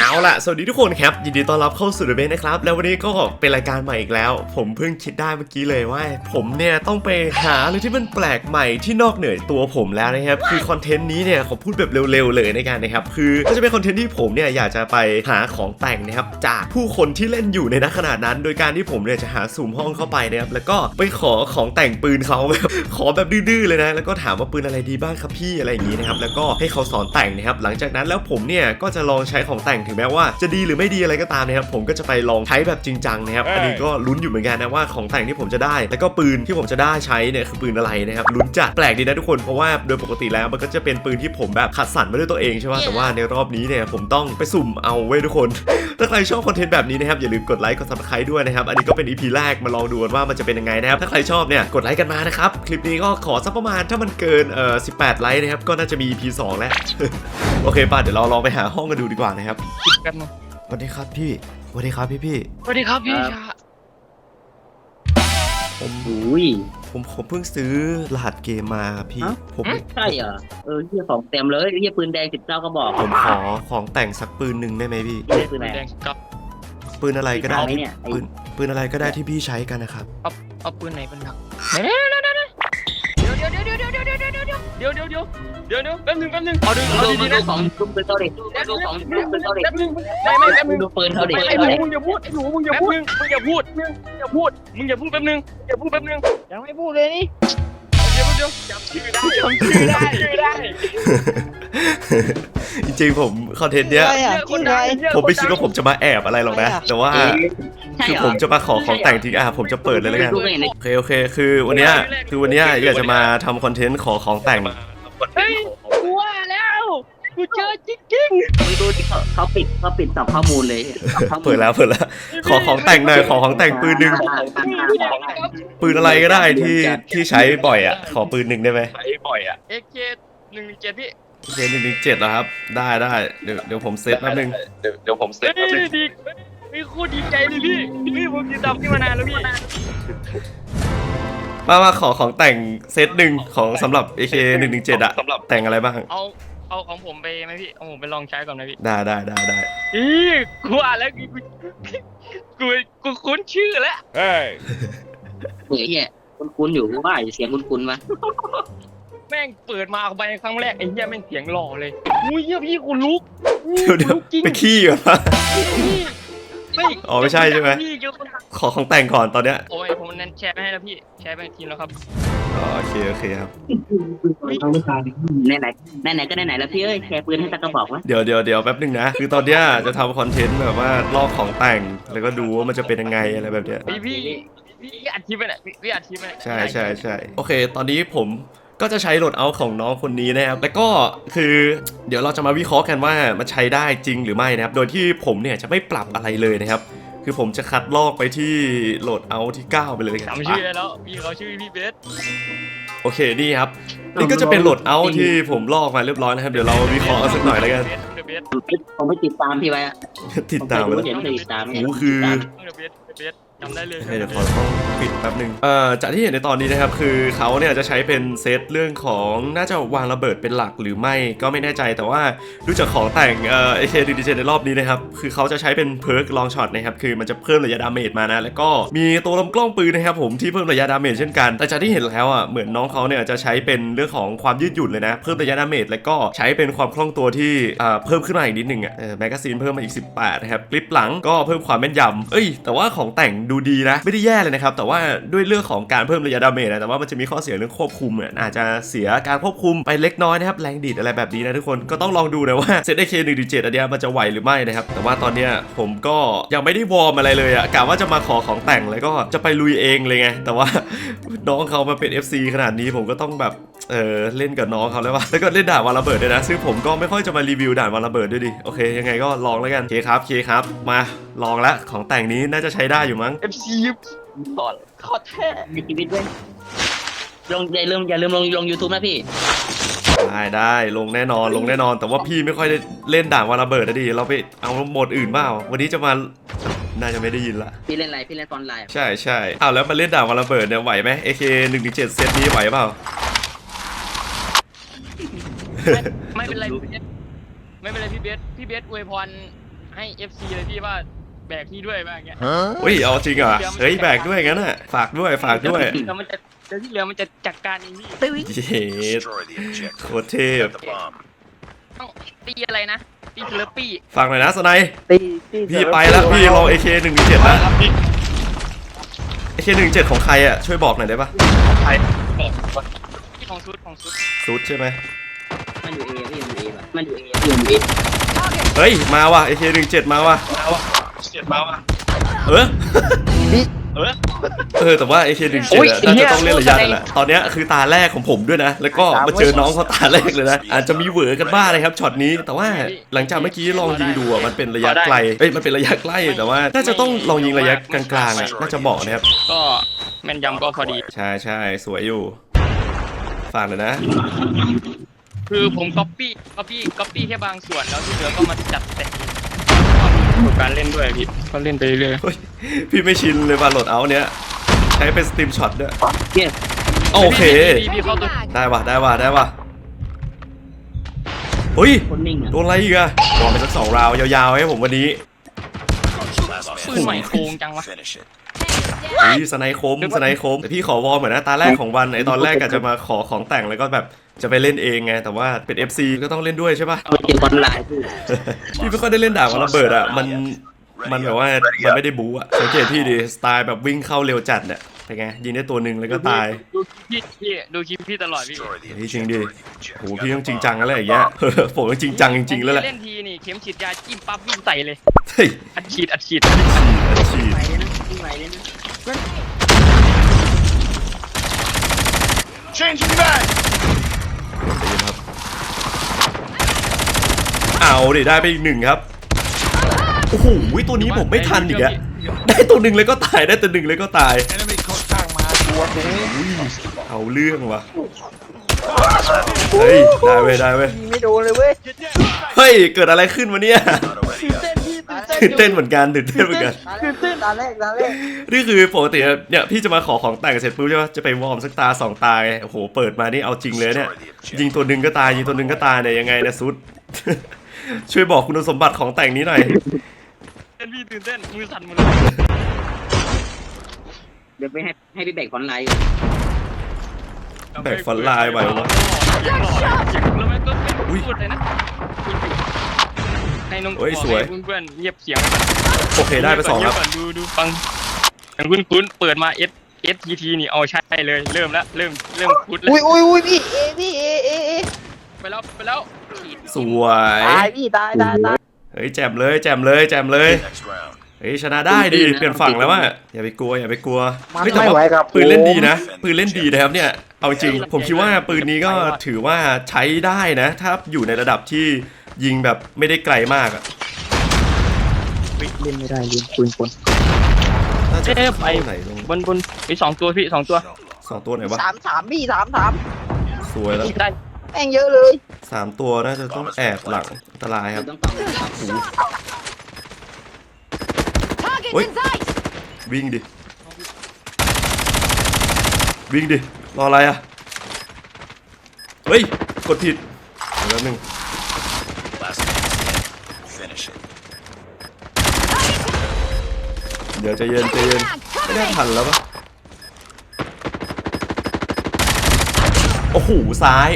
เอาล่ะสวัสดีทุกคนครับยินดีต้อนรับเข้าสู่เดอะเบสนะครับแล้ววันนี้ก็เป็นรายการใหม่อีกแล้วผมเพิ่งคิดได้เมื่อกี้เลยว่าผมเนี่ยต้องไปหาอะไรที่มันแปลกใหม่ที่นอกเหนือตัวผมแล้วนะครับคือคอนเทนต์นี้เนี่ยขอพูดแบบเร็วๆเลยในการนะครับคือก็จะเป็นคอนเทนต์ที่ผมเนี่ยอยากจะไปหาของแต่งนะครับจากผู้คนที่เล่นอยู่ในณขณะนั้นโดยการที่ผมเนี่ยจะหาสุ่มห้องเข้าไปนะครับแล้วก็ไปขอของแต่งปืนเขาแบบขอแบบดื้อๆเลยนะแล้วก็ถามว่าปืนอะไรดีบ้างครับพี่อะไรอย่างนี้นะครับแล้วก็ให้เขาสอนแต่งนะครับหลังจากนั้นแล้วผมเนี่ยก็จะลองใช้ของแต่งถึงแม้ว่าจะดีหรือไม่ดีอะไรก็ตามนะครับผมก็จะไปลองใช้แบบจริงจังนะครับอันนี้ก็ลุ้นอยู่เหมือนกันนะว่าของแต่งที่ผมจะได้แล้วก็ปืนที่ผมจะได้ใช้เนี่ยคือปืนอะไรนะครับลุ้นจัดแปลกดีนะทุกคนเพราะว่าโดยปกติแล้วมันก็จะเป็นปืนที่ผมแบบคัดสรรมาด้วยตัวเองใช่ไหมแต่ว่าในรอบนี้เนี่ยผมต้องไปสุ่มเอาไว้ทุกคนถ้าใครชอบคอนเทนต์แบบนี้นะครับอย่าลืมกดไลค์กด Subscribe ด้วยนะครับอันนี้ก็เป็น EP แรกมาลองดูว่ามันจะเป็นยังไงนะครับถ้าใครชอบเนี่ยกดไลค์กันมานะครับคลิปนี้ก็ขอสักประมาณถ้ามันเกิน18 ไลค์นะครับก็น่าจะมี EP 2 แล้ว โอเคป่ะเดี๋ยวเราลองไปหาห้องกันดูดีกว่านะครับกันมาสวัสดีครับพี่สวัสดีครับพี่สวัสดีครับพี่ชาผมเพิ่งซื้อรหัสเกมมาพี่ผมใช่เหรอเฮียของเต็มเลยเฮียปืนแดง19ก็บอกผมขอของแต่งสักปืนหนึ่งได้ไหมพี่ปืนอะไรกับปืนอะไรก็ได้ปืนอะไรก็ได้ที่พี่ใช้กันนะครับเอาปืนไหนเป็นหลักเดี๋ยวแป๊บนึงเอาดูดีนะของปืนเท่าเด็กดูของปืนเท่าเด็กไม่ดูปืนเท่าเด็กไอ้หนูมึงอย่าพูดมึงอย่าพูดแป๊บนึงยังไม่พูดเลยนี่เดี๋ยวจำชื่อได้จริงๆผมคอนเทนต์เนี้ยผมไม่คิดว่าผมจะมาแอบอะไรหรอกนะแต่ว่าคือผมจะมาขอของแต่งทิ้งผมจะเปิดเลยแล้วกันโอเคคือวันเนี้ยอยากจะมาทำคอนเทนต์ขอของแต่งเฮ้ยกูว่าแล้วกูเจอจริงๆมึงดูเขาปิดสับข้อมูลเลยเปิดแล้วขอของแต่งหน่อยขอของแต่งปืนหนึ่งปืนอะไรก็ได้ที่ใช้บ่อยขอปืนหนึ่งได้ไหมใช้บ่อยAK117พี่ AK117เหรอครับได้เดี๋ยวผมเซตแป๊บนึงดีไม่โคตรดีใจเลยพี่ผมติดตามพี่มานานแล้วพี่มาขอของแต่งเซตหนึ่งของสำหรับ AK117แต่งอะไรบ้างเอาของผมไปไหมพี่เอาผมไปลองใช้ก่อนไหมพี่ได้กูอ่านแล้วกูคุ้นชื่อแล้วเฮียคุ้นอยู่ว่าเสียงคุ้นวะแม่งเปิดมาไปครั้งแรกไอ้เหี้ยแม่งเสียงหล่อเลยอุ้ยเหี้ยพี่กูลุกเดี๋ยวไปขี้เหรอไม่ใช่ใช่ไหมขอของแต่งก่อนตอนเนี้ยโอ้ยผมนั้นแชร์ให้แล้วพี่แชร์ไปทีแล้วครับโอเคครับไหนก็ไหนแล้วพี่แชร์ปืนให้ตะกระบอกวะเดี๋ยวแป๊บนึงนะคือตอนเนี้ยจะทำคอนเทนต์แบบว่าลอกของแต่งแล้วก็ดูว่ามันจะเป็นยังไงอะไรแบบเนี้ยพี่อัดคลิปไปไหนพี่อัดคลิปไปไหนใช่โอเคตอนนี้ผมก็จะใช้โหลดเอาของน้องคนนี้นะครับแล้วก็คือเดี๋ยวเราจะมาวิเคราะห์กันว่ามันใช้ได้จริงหรือไม่นะครับโดยที่ผมเนี่ยจะไม่ปรับอะไรเลยนะครับคือผมจะคัดลอกไปที่โหลดเอาที่9ไปเลยจำชื่อได้แล้วพี่เขาชื่อพี่เบสโอเคนี่ครับนี่ก็จะเป็นโหลดเอาที่ผมลอกมาเรียบร้อยนะครับเดี๋ยวเราวิเคราะห์สักหน่อยแล้วกันผมไม่ติดตามพี่ไว้ติดตามแล้วคือจำได้เลยเดี๋ยวขอต้องปิดแป๊บนึงจากที่เห็นในตอนนี้นะครับคือเขาเนี่ยจะใช้เป็นเซตเรื่องของน่าจะวางระเบิดเป็นหลักหรือไม่ก็ไม่แน่ใจแต่ว่าดูจากของแต่งAK117ในรอบนี้นะครับคือเขาจะใช้เป็นเพิร์กลองช็อตนะครับคือมันจะเพิ่มระยะดาเมจมานะแล้วก็มีตัวลำกล้องปืนนะครับผมที่เพิ่มระยะดาเมจเช่นกันแต่จากที่เห็นแล้วเหมือนน้องเขาเนี่ยจะใช้เป็นเรื่องของความยืดหยุ่นเลยนะเพิ่มระยะดาเมจแล้วก็ใช้เป็นความคล่องตัวที่เพิ่มขึ้นมาอีกนิดนึงแมกกาซีนเพิ่มมาอีก18นะครับกริปหลังก็เพิ่มความแม่นยำแต่ว่าของแต่งดูดีนะไม่ได้แย่เลยนะครับแต่ว่าด้วยเรื่องของการเพิ่มระยะดาเมจนะแต่ว่ามันจะมีข้อเสียเรื่องควบคุมอาจจะเสียการควบคุมไปเล็กน้อยนะครับแรงดีดอะไรแบบนี้นะทุกคนก็ต้องลองดูนะว่าเซต AK117อันนี้มันจะไหวหรือไม่นะครับแต่ว่าตอนนี้ผมก็ยังไม่ได้วอร์มอะไรเลยกะว่าจะมาขอของแต่งแล้วก็จะไปลุยเองเลยไงแต่ว่าน้องเขามาเป็น FC ขนาดนี้ผมก็ต้องแบบเล่นกับน้องเขาแล้วก็เล่นด่านวาระเบิดด้วยนะซึ่งผมก็ไม่ค่อยจะมารีวิวด่านวาระเบิดด้วยดิโอเคยังไงก็ลองแล้วกันเคครับมาลองแล้วของแต่งนี้น่าจะใช้ได้อยู่มั้ง FC ขอแท้ในชีวิตด้วยอย่าลืมลง YouTube นะพี่ได้ลงแน่นอนแต่ว่าพี่ไม่ค่อยได้เล่นด่านวาระเบิดนะดิเราไปเอาโหมดอื่นเปล่าวันนี้จะมาน่าจะไม่ได้ยินละพี่เล่นอะไรพี่เล่นออนไลน์ใช่แล้วมาเล่นด่านวาระเบิดเนี่ยไหวไหม AK117 เซตนี้ไหวเปล่าไม่เป็นไรพี่เบสอวยพรให้ FC เลยพี่ว่าแบกพี่ด้วยว่าอย่างเงี้ยอุ้ยเอาจริงเหรอเฮ้ยแบกด้วยงั้นอ่ะฝากด้วยฝากด้วยแล้วมันจะเดี๋ยวที่เหลือมันจะจัดการเองพี่เย็ดโคตรเทพต้องตีอะไรนะตีเทเลปี้ฝากหน่อยนะสไนตีพี่ไปแล้วพี่ลอง AK117 แล้ว AK117 ของใครอ่ะช่วยบอกหน่อยได้ปะที่ของชุดซุดใช่ไหมมันอยู่เอพี่มันอยู่เอป่ะมันอยู่เอพี่มันอยู่เอเฮ้ยมาว่ะ AK17 มาว่ะเออ แต่ว่า AK17 โอ้ยน่าจะต้องเล่นระยะนั่นแหละตอนเนี้ยคือตาแรกของผมด้วยนะ แล้วก็มาเจอน้องเขาตาแรกเลยนะอาจจะมีเหวอกันบ้างนะครับช็อตนี้แต่ว่าหลังจากเมื่อกี้ลองยิงดูอะมันเป็นระยะไกลเอ้ยมันเป็นระยะใกล้แต่ว่าน่าจะต้องลองยิงระยะกลางๆอ่ะน่าจะเหมาะนะครับก็แม่นยำก็พอดีใช่ใช่สวยอยู่ฝากเลยนะคือผมก๊อปปี้แค่บางส่วนแล้วที่เหลือก็มาจัดแต่งประสบการณ์เล่นด้วยพี่ก็เล่นไปเรื่อยเฮ้ยพี่ไม่ชินเลยว่าโหลดเอาเนี้ยใช้เป็นสตรีมช็อตด้วยเนี่ยโอเคพี่เข้าตัวได้ว่ะได้ว่ะได้ว่ะเฮ้ยคนนิ่งอ่ะโดนอะไรอีกอะลองไปสัก2 ราวด์ยาวๆให้ผมวันนี้ปืนใหม่โกงจังวะเฮ้ยสไนคมสไนคมแต่พี่ขอวอร์มเหมือนนะตาแรกของวันไอตอนแรกกะจะมาขอของแต่งแล้วก็แบบจะไปเล่นเองไงแต่ว่าเป็น FC ก็ต้องเล่นด้วยใช่ปะเอาเจอออนไลน์พี่พี่ไม่ค่อยได้เล่นดาบวันระเบิดอะมันแบบว่ามันไม่ได้บู๊อะสังเกตพี่ดิสไตล์แบบวิ่งเข้าเร็วจัดเนี่ยเป็นไงยิงได้ตัวหนึ่งแล้วก็ตายดูคลิปพี่ตลอดพี่เฮ้ยจริงดิโหพี่ต้องจริงจังแล้วอย่างเงี้ย ผมต้องจริงจังจริงๆแล้วแหละเล่นทีนี่เข็มฉีดยาจิ้มปั๊บวิ่งใส่เลยเฮ้ยอัดฉีดฉีดไหวเลยนะวิ่งไหวเลยนะครับเอาดิได้ไปอีก1ครับโอ้โหตัวนี้ผมไม่ทันอีกอะได้ตัวหนึ่งเลยก็ตายได้ตัวหนึ่งเลยก็ตายเอาเรื่องว่ะเฮ้ยได้เว้ยได้เว้ยยิงไม่โดนเลยเว้ยเฮ้ยเกิดอะไรขึ้นวะเนี่ยตื่นเต้นพี่ตื่นเต้นเหมือนกันตื่นเต้นเหมือนกันตื่นเต้นตาแรกนี่คือปกติเนี่ยพี่จะมาขอของแต่งเสร็จปุ๊บใช่ปะจะไปวอร์มสักตา2 ตาไงโอ้โหเปิดมานี่เอาจริงเลยเนี่ยยิงตัวหนึ่งก็ตายยิงตัวหนึ่งก็ตายเนี่ยยังไงนะซุด ช่วยบอกคุณสมบัติของแต่งนี้หน่อยตื่นเต้นมือสั่นหมดเลยเดี๋ยวไปให้พี่แบกออนไลน์แบกฝันลายไหววะเสียงหล่อเสียงแล้วมันก็ไม่พูดเลยนะให้น้องเพื่อนเงียบเสียงโอเคได้ไป2ครับดูฟังอย่างคุ้นเปิดมา STT นี่เอาใช่เลยเริ่มพูดแล้วอุ้ยพี่พี่เอไปแล้วสวยตายพี่ตายเฮ้ยแจมเลยแจมเลยแจมเลยเฮ้ยชนะได้ดิเปลี่ยนฝั่งแล้วว่ะอย่าไปกลัวอย่าไปกลัวมันเฮ้ยแต่ไม่ไหวว่าครับปืนเล่นดีนะปืนเล่นดีนะครับเนี่ยเอาจริงผมคิดว่าปืนนี้ก็ถือว่าใช้ได้นะ ถ้าอยู่ในระดับที่ยิงแบบไม่ได้ไกลมากอะเล่นไม่ได้เล่นปืนคนน่าจะไปเข้าไหนลงบนไป2 ตัวพี่2 ตัว 2 ตัวไหนวะ 3พี่3 สวยแล้วได้แม่งเยอะเลย 3 ตัวน่าจะต้องแอบหลังอันตรายครับต้องฟังเฮ้ยวิ่งดิวิ่งดิรออะไรอะเฮ้ยกดผิดเดี๋ยวแป๊บนึงเดี๋ยวใจเย็นใจเย็นไม่ได้ทันแล้วปะโอ้โหซ้าย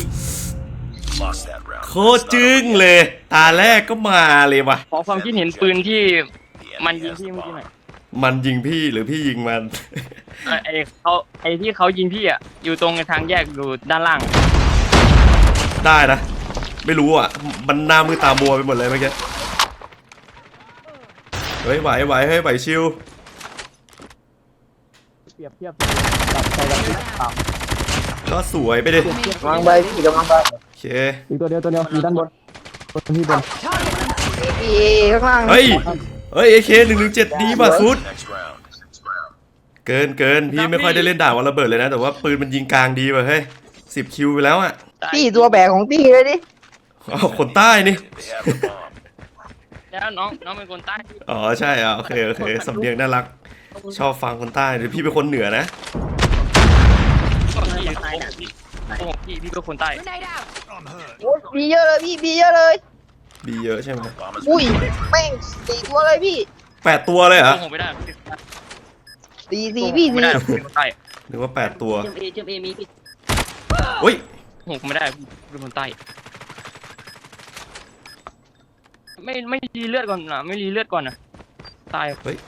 โคตรจึ้งเลยตาแรกก็มาเลยว่ะขอความคิดเห็นปืนที่มันยิงพี่เมื่อกี้หน่อยมันยิงพี่หรือพี่ยิงมันไอ้ที่เขายิงพี่อ่ะอยู่ตรงทางแยกอยู่ด้านล่างได้นะ ไม่รู้อ่ะ มันหน้ามือตามัวไปหมดเลยเมื่อกี้เฮ้ยไหวไหวเฮ้ยไหวชิวเปรียบเทียบกับใจกับที่ต่ก็สวยไปดิำกำลังไปพี่กำลังไปโอเคอีกตัวเดียวอยู่ด้านบนพี่บนพี่ข้างล่างเฮ้ยAK117ดีป่ะสุดเกินพี่ไม่ค่อยได้เล่นดาบวันระเบิดเลยนะแต่ว่าปืนมันยิงกลางดีป่ะเฮ้ย10 คิวไปแล้วอ่ะพี่ตัวแบกของพี่เลยดิอ๋อคนใต้นี่แล้วน้องเป็นคนใต้อ๋อใช่อ่ะโอเคสำเนียงน่ารักชอบฟังคนใต้เดี๋ยวพี่เป็นคนเหนือนะพี่เป็นคนใต้โอ้ยพี่เยอะเลยพี่เยอะเลยบีเยอะใช่ไหมอุ้ยแม่ง4 ตัวเลยพี่ 8 ตัวเลยเหรอผมไม่ได้ 4พี่ไม่ได้เป็นคนใต้หรือว่า8 ตัวเจมเอมีพี่อุ้ยผมไม่ได้เป็นคนใต้ไม่รีเลือดก่อนนะไม่รีเลือดก่อนนะตายเฮ้ย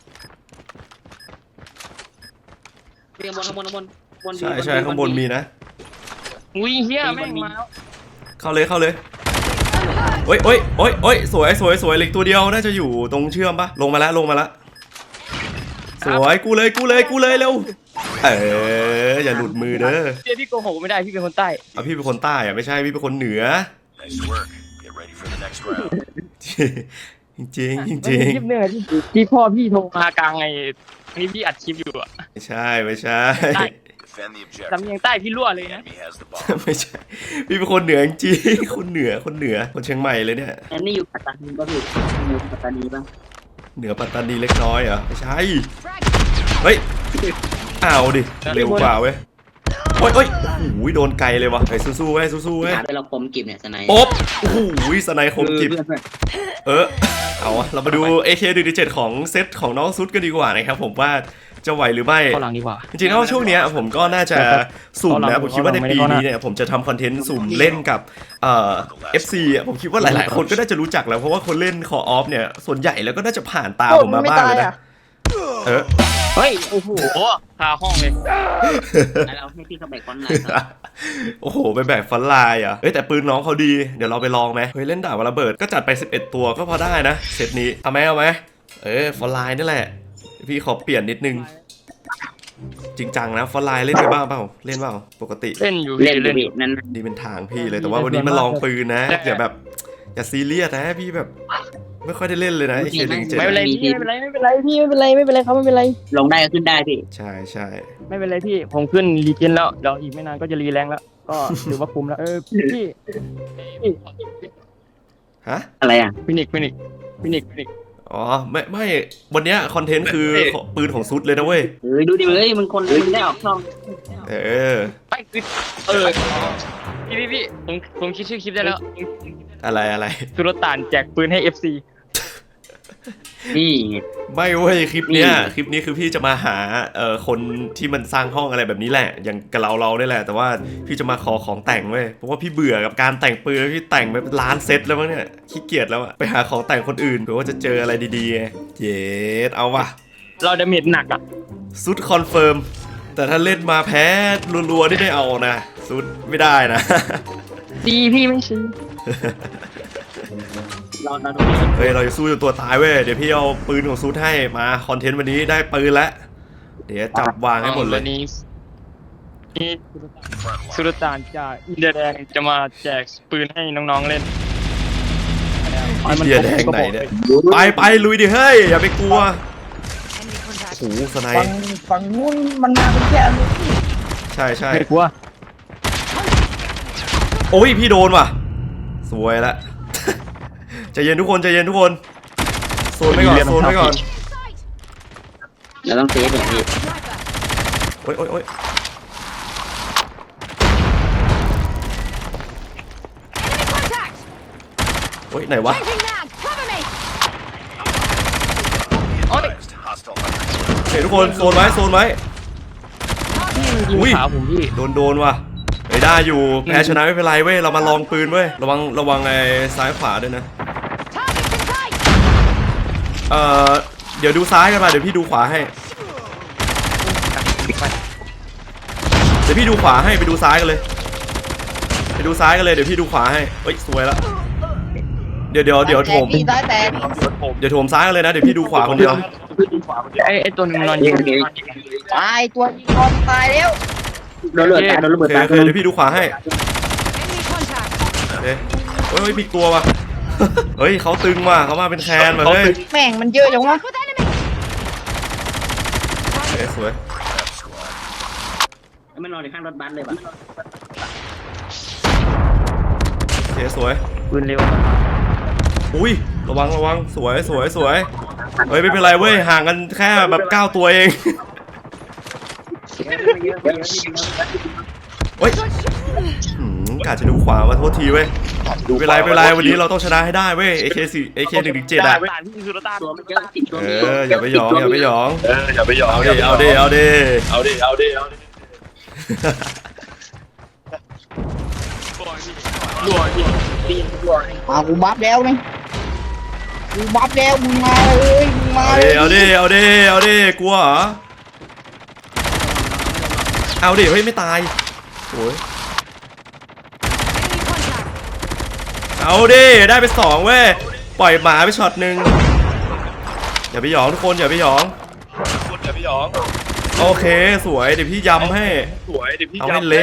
เรียงบนข้างบนข้างบนบนใช่ข้างบนมีนะอุ้ยเฮียแม่งมาแล้วเข้าเลยโอ้ยสวยเหล็กตัวเดียวน่าจะอยู่ตรงเชื่อมปะลงมาแล้วสวยกูเลยเร็วอย่าหลุดมือเด้อพี่โกหกไม่ได้พี่เป็นคนใต้เอาพี่เป็นคนใต้อะไม่ใช่พี่เป็นคนเหนือ Nice work. Get ready for the next round. จริงคลิปเนี่ยที่พ่อพี่โทรมากลางไงนี่พี่อัดคลิปอยู่อะไม่ใช่ Defend the objective. สำเนียงใต้พี่รั่วเลยนะ Enemy has the bomb. ไม่ใช่พี่เป็นคนเหนือจริงคนเหนือคนเชียงใหม่เลยเนี่ยอันนี้อยู่ปัตตานีป่ะพี่อยู่ปัตตานีป่ะเหนือปัตตานีเล็กน้อยเหรอไม่ใช่เฮ้ยเอาดิเร็วกว่าเว้ยโอ้ยโอ้ยโดนไกลเลยวะไอ้สู้ๆเว้ยหาไปเราคมกิบเนี่ยสไนป๊บโอ้โหสไนคมกิบเพื่อนเอาอะเรามาดู AK-47 ของเซตของน้องซุดกันดีกว่านะครับผมว่าจะไหวหรือไม่เข้าหลังดีกว่าจริงๆแล้วช่วงเนี้ยผมก็น่าจะสุ่มนะผมคิดว่าในปีนี้เนี่ยผมจะทำคอนเทนต์สุ่มเล่นกับFC อ่ะผมคิดว่าหลายๆคนก็น่าจะรู้จักแล้วเพราะว่าคนเล่น Call of เนี่ยส่วนใหญ่แล้วก็น่าจะผ่านตาผมมาบ้างเลยนะเฮ้ยโอ้โหคาห้องเลยเราให้พี่เขาแบกคอนไลน์ครับโอ้โหไปแบกฟันลายอ่ะแต่ปืนน้องเขาดีเดี๋ยวเราไปลองไหมเฮ้ยเล่นดาบระเบิดก็จัดไป11ตัวก็พอได้นะเซตนี้เอาไหมฟันลายนี่แหละพี่ขอเปลี่ยนนิดนึงจริงจังนะฟันลายเล่นไปบ้างเปล่าเล่นเปล่าปกติเล่นอยู่เล่นพี่นั่นดีเป็นทางพี่เลยแต่ว่าวันนี้มาลองปืนนะอย่าซีเรียสนะพี่แบบไม่ค่อยได้เล่นเลยนะไอ้เคดึงเจ็ดไม่เป็นไรพี่ไม่เป็นไรเขาไม่เป็นไรลงได้ก็ขึ้นได้พี่ใช่ไม่เป็นไรพี่ผมขึ้นรีเจนแล้วเดี๋ยวอีกไม่นานก็จะรีแรงแล้วก็ถือว่าคุ้มแล้วพี่ฮะอะไรอ่ะฟินิกอ๋อไม่วันเนี้ยคอนเทนต์คือปืนของซุดเลยนะเว้ยดูดิเฮ้ยมันคนมึงได้ออกช่องไปพี่ผมคิดชื่อคลิปได้แล้วอะไรสุรต่านแจกปืนให้ FC นี่ไม่เว้ยคลิปนี้คือพี่จะมาหาคนที่มันสร้างห้องอะไรแบบนี้แหละอย่างกับเราได้แหละแต่ว่าพี่จะมาขอของแต่งเว้ยเพราะว่าพี่เบื่อกับการแต่งปืนพี่แต่งไปเป็นล้านเซตแล้วมั้งเนี่ยขี้เกียจแล้วอะไปหาของแต่งคนอื่นเผื่อว่าจะเจออะไรดีๆไงเย็ดเอาว่ะเราดาเมจหนักอ่ะซุดคอนเฟิร์มแต่ถ้าเล่นมาแพ้รัวๆนี่ไม่เอานะซุดไม่ได้นะดีพี่ไม่ซื้อเราเฮ้ยเราจะสู้จนตัวตายเว้ยเดี๋ยวพี่เอาปืนของซุดให้มาคอนเทนต์วันนี้ได้ปืนแล้วเดี๋ยวจับวางให้หมดเลยนี่สุรต่านจากอินเดียแดงจะมาแจกปืนให้น้องๆเล่นอินเดียแดงไหนเนี่ยไปลุยดิเฮ้ยอย่าไปกลัวโอ้โหสไนฝั่งนู้นมันมาเป็นแค่นี้ใช่ไม่กลัวโอ้ยพี่โดนว่ะสวยละ ใจเย็นทุกคนโซนไว้ก่อนเราต้องเซฟแบบนี้โอ้ยโอ้ยไหนวะ Next, hostile hunter. เฮ้ยทุกคนโซนไว้ อุ้ยขาผมพี่โดนว่ะเฮ้ยได้อยู่แพ้ชนะไม่เป็นไรเว้ยเรามาลองปืนเว้ยระวังไอ้ซ้ายขวาด้วยนะเดี๋ยวดูซ้ายกันมาเดี๋ยวพี่ดูขวาให้ไปดูซ้ายกันเลยเดี๋ยวพี่ดูขวาให้เฮ้ยสวยละเดี๋ยวโถมพี่ซ้ายแตกเดี๋ยวโถมซ้ายกันเลยนะเดี๋ยวพี่ดูขวาคนเดียวไอ้ตัวนึงนอนยิงตายตัวยิงคอนตายแล้วโดนระเบิดตายโดนระเบิดตายโอเคเดี๋ยวพี่ดูขวาให้เฮ้ยมีตัวว่ะ เฮ้ยเขาตึงว่ะเขามาเป็นแคนมาเฮ้ยแม่งมันเยอะจังวะสวยไม่นอนในข้างรถบัสเลยป่ะโอเคสวยปืนเร็วอุ้ยระวังสวยเฮ้ยไม่เป็นไรเว้ยห่างกันแค่แบบ9ตัวเองเฮ้ยกะจะดูขวามาโทษทีเว้ยไม่เป็นไรวันนี้เราต้องชนะให้ได้เว้ย AK117 อ่ะตานพี่คือรถตานตัวมันเยอะ10ตัวอย่าไปหยองอย่าไปหยองอย่าไปยอมเอาดิเอาดิมากูบัฟแล้วนี่กูบัฟแล้วมึงมาเลยมึงมาเลยเอาดิกลัวเหรอเอาดิเฮ้ยไม่ตายโอ้ยเอาดิได้ไป2เว้ยปล่อยหมาไปช็อตหนึ่งอย่าไปหยองทุกคนอย่าไปหยองโอเคสวยเดี๋ยวพี่ยำให้เอาให้เละ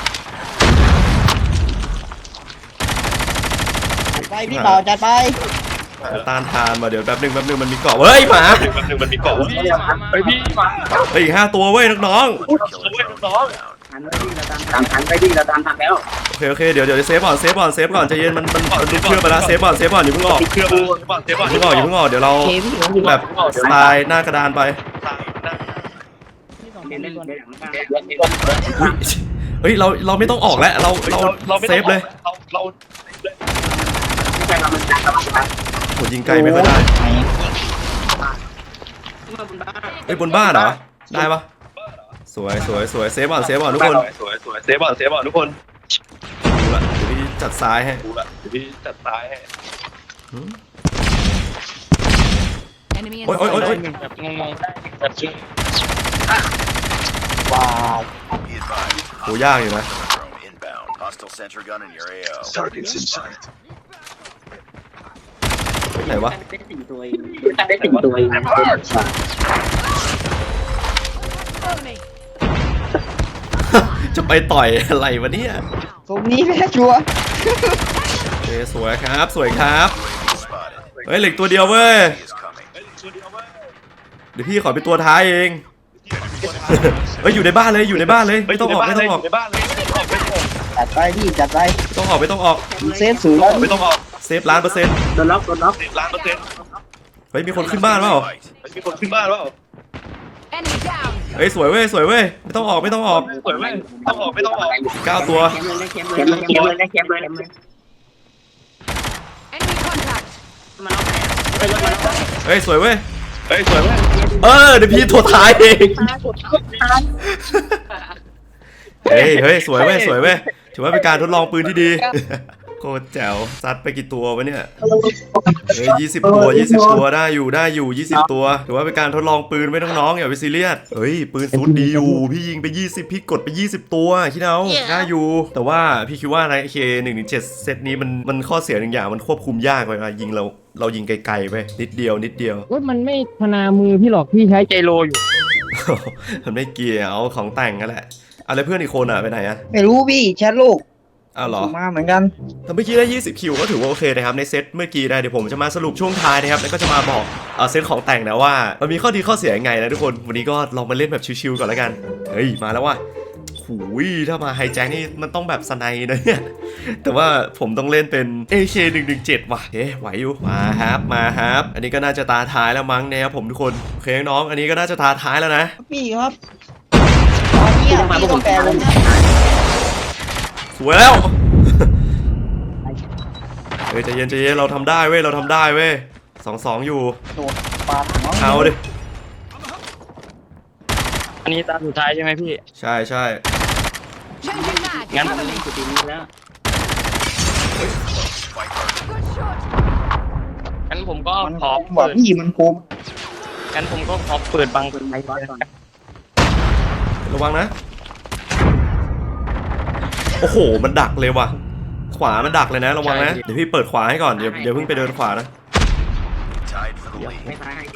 จัดไปพี่ต่อจัดไปต้านทานมาเดี๋ยวแป๊บนึงมันมีเกาะเฮ้ยหมาไปพี่มาเฮ้ยอีก5ตัวเว้ยน้องหันไปดิเราตามทันแล้วๆโอเคเดี๋ยวเซฟก่อนใจเย็นมันดูเครื่องไปแล้วเซฟก่อนอย่าเพิ่งออกอย่าเพิ่งออกเดี๋ยวเราแบบสไตล์หน้ากระดานไป เฮ้ยเราไม่ต้องออกแล้วเราเซฟเลยโหยิงไกลไม่ค่อยได้เฮ้ยบนบ้านเหรอได้ปะสวยเซฟก่อนทุกคนดูละเดี๋ยวพี่จัดซ้ายให้ Enemy in โอ้ยแบบงงๆแบบชื่อว้าว Be advised. โหยากอยู่นะ Drone inbound. Hostile sentry gun in your AO. Targets in sight. ไหนวะได้4ตัวเองได้10ตัวเองจะไปต่อยอะไรวะเนี่ยตรงนี้แม่ชัวร์โอเคสวยครับ Spotted. เฮ้ยเหล็กตัวเดียวเว้ย He is coming. เดี๋ยวพี่ขอเป็นตัวท้ายเองเฮ้ยอยู่ในบ้านเลยไม่ต้องออกจัดไปพี่จัดไปไม่ต้องออกเซฟสูงแล้วเซฟ1,000,000% โดนล็อกเฮ้ยมีคนขึ้นบ้านเปล่า Enemy down. เฮ้ยสวยเว้ยไม่ต้องออก9ตัวแคมเลย Enemy contact. มาล็อกไหนเฮ้ยสวยเว้ยเดี๋ยวพี่ตัวท้ายเองเฮ้ยสวยเว้ยถือว่าเป็นการทดลองปืนที่ดีโคตรแจ๋วซัดไปกี่ตัววะเนี่ยเฮ้ย20 ตัวได้อยู่20 ตัวถือว่าเป็นการทดลองปืนไม่น้องๆอย่าไปซีเรียสเฮ้ยปืนซูดดีอยู่พี่ยิงไป20พี่กดไป20ตัวคิดเอาได้อยู่แต่ว่าพี่คิดว่าใน AK117 เซตนี้มันข้อเสียหนึ่งอย่างมันควบคุมยากไปยิงเรายิงไกลๆไปนิดเดียวว่ามันไม่ธนามือพี่หรอกพี่ใช้ใจโลอยู่มันไม่เกี่ยวของแต่งกันแหละอะไรเพื่อนอีกคนไปไหนอะไม่รู้พี่แชทโลกอ้าวเหรอมาเหมือนกันแต่เมื่อกี้ได้20คิวก็ถือว่าโอเคนะครับในเซตเมื่อกี้นะเดี๋ยวผมจะมาสรุปช่วงท้ายนะครับแล้วก็จะมาบอกเซตของแต่งนะว่ามันมีข้อดีข้อเสียยังไงนะทุกคนวันนี้ก็ลองมาเล่นแบบชิวๆก่อนแล้วกันเฮ้ยมาแล้วว่ะหูยถ้ามาไฮแจ็คนี่มันต้องแบบสไนด์นะเนี่ยแต่ว่าผมต้องเล่นเป็น AK117 ว่ะไหวอยู่มาครับอันนี้ก็น่าจะตาท้ายแล้วมั้งนะครับผมทุกคนโอเคน้องอันนี้ก็น่าจะตาท้ายแล้วนะพี่ครับตอนนี้พี่ต้องแปลวงสวยแล้ว เฮ้ยใจเย็นเราทำได้เว้ย2-2อยู่โดดปาดหัวเอาดิอันนี้ตาสุดท้ายใช่ไหมพี่ใช่ Changing mag. งั้น Cover me. กูตีนี้แล้วงั้นผมก็มันขอบอกเปิดพี่มันโคมงั้นผมก็ขอเปิดบังไอ้บอสก่อนระวังนะโอ้โหมันดักเลยว่ะขวามันดักเลยนะระวังนะเดี๋ยวพี่เปิดขวาให้ก่อนเดี๋ยวเพิ่งไปเดินขวานะ Tied for the ไม่ lead. ตายให้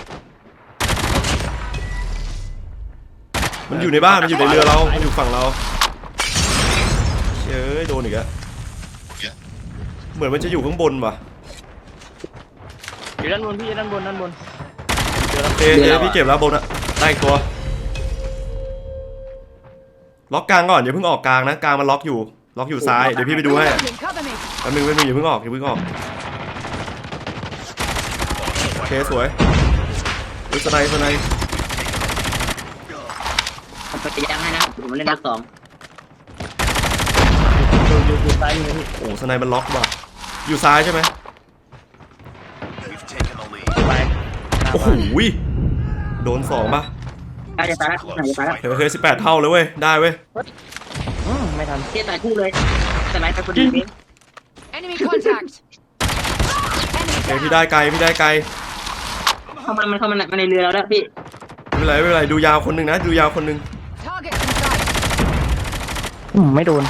มันอยู่ในบ้านมันอยู่ในเรือเรามันอยู่ฝั่งเราเฮ้ยโดนอีกอะเหมือนมันจะอยู่ข้างบนว่ะอยู่ด้านบนพี่ด้านบนโอเคพี่เก็บแล้วบนอะได้อีกตัวล็อกกลางก่อนอย่าเพิ่งออกกลางนะกลางมันล็อกอยู่ซ้ายเดี๋ยวพี่ไปดูให้ Reloading. Cover me. แป๊บนึงอย่าเพิ่งออกโอเคสวยสไนผมไปยังให้นะผมเล่นนัด2 อยู่ซ้ายมือพี่โอ้สไนมันล็อกว่ะอยู่ซ้ายใช่ไหม We've taken the lead. ไปโอ้โหโดน2ป่ะใกล้จะตายแล้วใกล้จะตายแล้วโอเค18 เท่าเลยเว้ยได้เว้ยไม่ทันเจ๊ตายคู่เลยสไนไปคนเดียวเอง Enemy contact. โอเค Enemy พี่ down. ได้ไกลพี่ได้ไกลเข้ามาในเรือแล้วนะพี่ไม่เป็นไรดูยาวคนหนึ่งนะดูยาวคนหนึ่ง Target in sight. ไม่โดน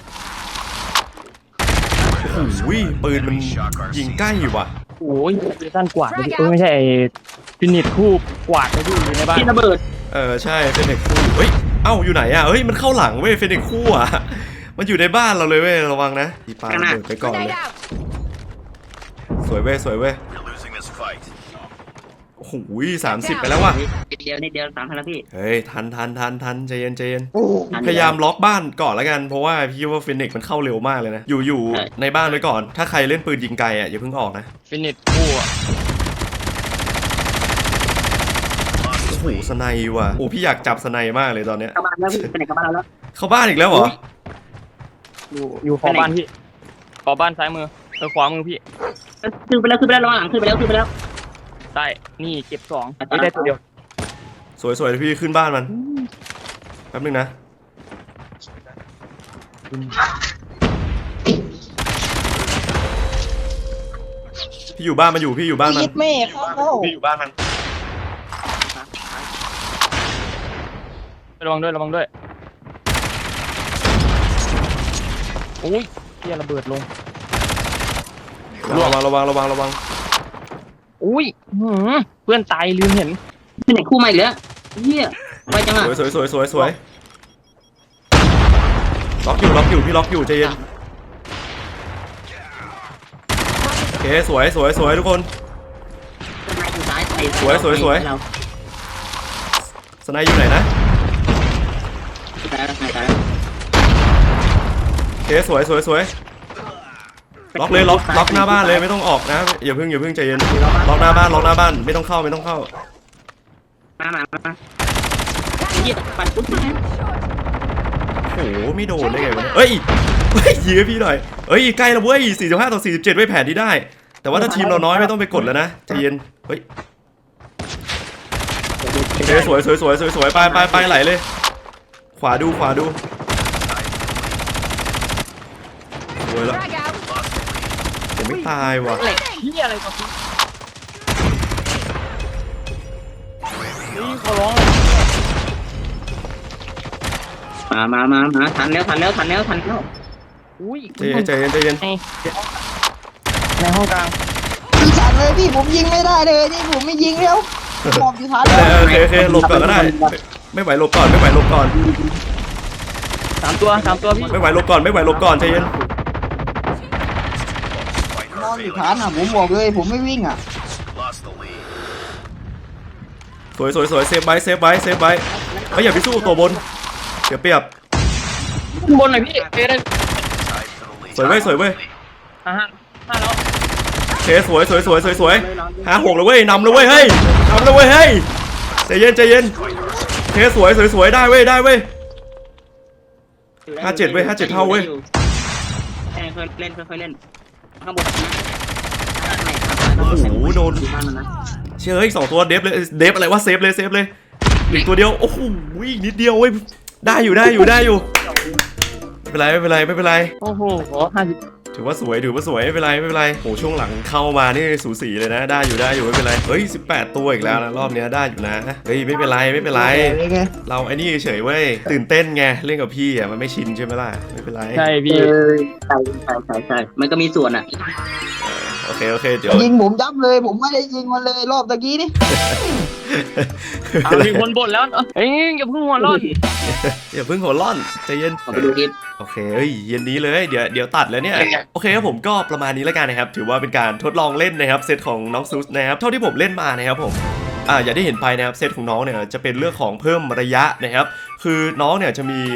โอ้โหปืนมันยิงใกล้อยู่ว่ะโอ้ยสั้นกว่าไม่ใช่ฟินิชคู่กวาดไปอยู่ในบ้านพี่ระเบิดใช่เฟนิกซ์คู่เฮ้ยเอ้าอยู่ไหนอ่ะเฮ้ยมันเข้าหลังเว้ยเฟนิกซ์คู่อ่ะมันอยู่ในบ้านเราเลยเว้ยระวังนะตีปาเดินไปก่อนเลย Grenade out. สวยเว้ย We're losing this fight. โอ้โห30 ไปแล้วว่ะนิดเดียว3,000แล้วพี่เฮ้ยทันใจเย็นโอ้พยายามล็อกบ้านก่อนแล้วกันเพราะว่าพี่ว่าเฟนิกซ์มันเข้าเร็วมากเลยนะอยู่ในบ้านไว้ก่อนถ้าใครเล่นปืนยิงไกลอ่ะอย่าเพิ่งออกนะฟินิชคู่อะโอ้โหสไนด์ว่ะโอ้พี่อยากจับสไนด์มากเลยตอนเนี้ยเข้าบ้านแล้วพี่ไปไหนเข้าบ้านแล้วเข้าบ้านอีกแล้วเหรออยู่ขอบ้านพี่ขอบ้านซ้ายมือขวามือพี่ขึ้นไปแล้วระวังหลังขึ้นไปแล้วใต้นี่เก็บ2ไม่ได้ตัวเดียวสวยพี่ขึ้นบ้านมันแป๊บนึงนะพี่อยู่บ้านมันอยู่พี่อยู่บ้านมันยิดแม่เข้าพี่อยู่บ้านมันระวังด้วยโอ้ยเฮียระเบิดลงระวังอุ้ยเพื่อนตายลืมเห็นไปไหนคู่ใหม่เหลือเฮียไปจังอ่ะสวยล็อกอยู่พี่ล็อกอยู่ใจเย็นโอเคสวยทุกคนสไนอยู่ซ้ายสวย สไนด์อยู่ไหนนะตายแล้วโอเคสวยล็อกเลยล็อกหน้าบ้านเลยไม่ต้องออกนะอย่าเพิ่งใจเย็นล็อกหน้าบ้านไม่ต้องเข้ามาเฮียปั่นปุ๊บมาโอ้โหไม่โดนได้ไงวะเนี่ยเฮ้ยยื้อพี่หน่อยใกล้แล้วเว้ย45-47ไว้แผนที่ได้ แต่ว่าถ้าทีมเราน้อยไม่ต้องไปกดแล้วนะใจเย็นเฮ้ยโอเคสวยไปไหลเลยขวาดูสวยแล้ว Frag out. ผมไม่ตายว่ะเฮียอะไรกับพี่นี่ขอร้องเลยมาทันแล้วอุ้ยใจเย็นในห้องกลางพี่ฉันเลยพี่ผมยิงไม่ได้เลยนี่ผมไม่ยิงแล้วหมอบอยู่ฐานเลยโอเคหลบก่อนก็ได้ไม่ไหวหลบก่อน 3 ตัวพี่ไม่ไหวหลบก่อนใจเย็น Fight นอน her อยู่ failing. ฐานอ่ะผมบอกเลยผมไม่วิ่งอ่ะ Lost the lead. สวยเซฟไว้ไม่อย่าไปสู้ตัวบนเสียเปรียบขึ้นบนหน่อยพี่ได้ Tied for the lead. สวยเว้ย 5แล้วโอเคสวย56เลยเว้ยนำเลยเว้ยเฮ้ยใจเย็นโอเคสวยได้เว้ย57เท่าเว้ยค่อยเล่นข้างบนโอ้โหโดนเชื่ออีก2ตัวเดฟอะไรวะเซฟเลยอีกตัวเดียวโอ้โหอีกนิดเดียวเว้ยได้อยู่ไม่เป็นไรโอ้โห50 ถือว่าสวยไม่เป็นไรโหช่วงหลังเข้ามานี่สูสีเลยนะได้อยู่ไม่เป็นไรเฮ้ย18ตัวอีกแล้วนะรอบเนี้ยได้อยู่นะเฮ้ยไม่เป็นไรเราไอ้นี่เฉยเว้ยตื่นเต้นไงเล่นกับพี่อ่ะมันไม่ชินใช่ไหมล่ะไม่เป็นไรใช่พี่ใช่มันก็มีส่วนอ่ะโอเคเดี๋ยวยิงผมยับเลยผมไม่ได้ยิงมันเลยรอบตะกี้นี่มีคนบ่นแล้วเฮ้ยอย่าเพิ่งหัวร้อนอย่าเพิ่งหัวร้อนใจเย็นขอไปดูคลิปโอเคเฮ้ยเย็นนี้เลยเดี๋ยวตัดแล้วเนี่ยโอเคครับผมก็ประมาณนี้แล้วกันนะครับถือว่าเป็นการทดลองเล่นนะครับเซตของน้องซุสนะครับเท่าที่ผมเล่นมานะครับผมอย่างที่เห็นไปนะครับเซตของน้องเนี่ยจะเป็นเรื่องของเพิ่มระยะนะครับคือน้องเนี่ยจะมี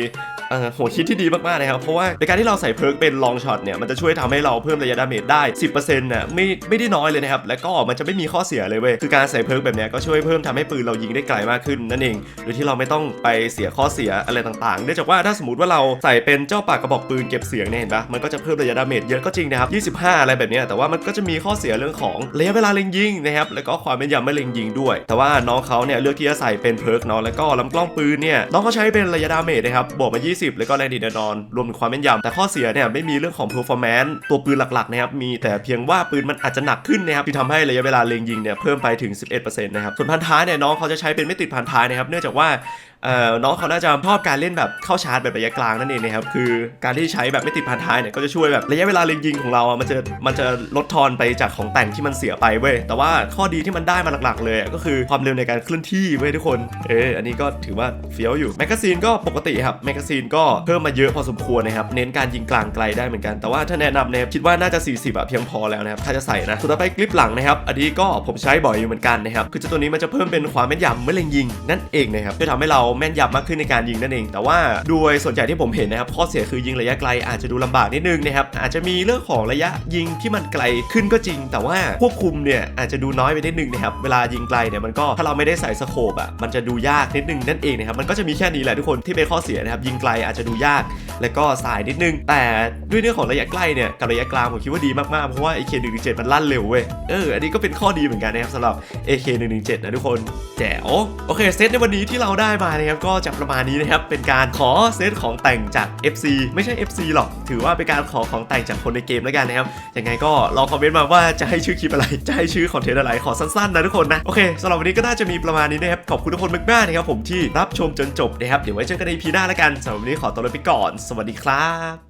หัวคิดที่ดีมากๆนะครับเพราะว่าในการที่เราใส่เพิร์กเป็นลองช็อตเนี่ยมันจะช่วยทำให้เราเพิ่มระยะดาเมจได้ 10% น่ะไม่ได้น้อยเลยนะครับแล้วก็มันจะไม่มีข้อเสียเลยเว้ยคือการใส่เพิร์กแบบเนี้ยก็ช่วยเพิ่มทำให้ปืนเรายิงได้ไกลมากขึ้นนั่นเองโดยที่เราไม่ต้องไปเสียข้อเสียอะไรต่างๆเนื่องจากว่าถ้าสมมติว่าเราใส่เป็นเจ้าปากกระบอกปืนเก็บเสียงเนี่ยเห็นปะมันก็จะเพิ่มระยะดาเมจเยอะก็จริงนะครับ25อะไรแบบเนี้ยแต่ว่ามันก็จะมีข้อเสียเรื่องของระยะเวลาเล็งยิงนะครับแล้วก็ความแม่นยำไม่เล็งยิงด้วยแต่ว่าน้องเขาเนี่ยเลือกที่จะใส่เป็นเพิร์กเนาะแล้วก็ลำกล้องปืนเนี่ยน้องเขาใช้เป็นระยะดาเมจนะครับบวกมา20แล้วก็แรงดีดแน่นอนรวมถึงความแม่นยำแต่ข้อเสียเนี่ยไม่มีเรื่องของ performance ตัวปืนหลักๆนะครับมีแต่เพียงว่าปืนมันอาจจะหนักขึ้นนะครับที่ทำให้ระยะเวลาเล็งยิงเนี่ยเพิ่มไปถึง 11% นะครับส่วนพันท้ายเนี่ยน้องเขาจะใช้เป็นไม่ติดพันท้ายนะครับเนื่องจากว่าน้องเขาน่าจะชอบการเล่นแบบเข้าชาร์จแบบระยะกลางนั่นเองนะครับคือการที่ใช้แบบไม่ติดพันท้ายเนี่ยก็จะช่วยแบบระยะเวลาเล็งยิงของเรามันจะลดทอนไปจากของแต่งที่มันเสียไปเว้ยแต่ว่าข้อดีที่มันได้มาหลักๆเลยก็คือความเร็วในการเคลื่อนที่เว้ยทุกคนอันนี้ก็ถือว่าเฟี้ยวอยู่แมกกาซีนก็ปกติครับแมกกาซีนก็เพิ่มมาเยอะพอสมควรนะครับเน้นการยิงกลางไกลได้เหมือนกันแต่ว่าถ้าแนะนำเนี่ยคิดว่าน่าจะ40เพียงพอแล้วนะครับถ้าจะใส่นะสุดท้ายไปกริปหลังนะครับอันนี้ก็ผมใช้บ่อยอยู่เหมือนกันนะครับคือตัวนี้มันจะเพิ่มเป็นความแม่นยำเมื่อเล็งยิงนั่นเองนะครับจะทำให้เราแม่นยำมากขึ้นในการยิงนั่นเองแต่ว่าโดยส่วนใหญ่ที่ผมเห็นนะครับข้อเสียคือยิงระยะไกลอาจจะดูลำบากนิดนึงนะครับอาจจะมีเรื่องของระยะยิงที่มันไกลขึ้นก็จริงแต่ว่าควบคุมเนี่ยอาจจะดูน้อยไปนิดนึงนะครับเวลายิงไกลเนี่ยมันก็ถ้าเราไม่ได้ใส่สโคปมันจะดูยากนิดนึงนั่นเองนะครับมันก็จะมีแค่นี้แหละทุกคนที่เป็นข้อเสียนะครับยิงไกลอาจจะดูยากแล้วก็สายนิดนึงแต่ด้วยเรื่องของระยะใกล้เนี่ยกับระยะกลางผมคิดว่าดีมากๆเพราะว่า AK117 มันลั่นเร็วเว้ยอันนี้ก็เป็นข้อดีเหมือนกันนะครับสำหรับ AK117 นะทุกคนแจ๋วโอเคเซตในวันนี้ที่เราได้มานะครับก็จะประมาณนี้นะครับเป็นการขอเซตของแต่งจาก FC ไม่ใช่ FC หรอกถือว่าเป็นการขอของแต่งจากคนในเกมแล้วกันนะครับยังไงก็ลองคอมเมนต์มาว่าจะให้ชื่อคลิปอะไรจะให้ชื่อคอนเทนต์อะไรขอสั้นๆนะทุกคนนะโอเคสำหรับวันนี้ก็น่าจะมีประมาณนี้นะครับขอบคุณทุกคนมากๆนะครับผมที่รับชมจนจบนะครับเดี๋ยวไว้เจอกันใน EP หน้าแล้วกันสำหรับวันนี้ขอตัวลาไปก่อนสวัสดีครับ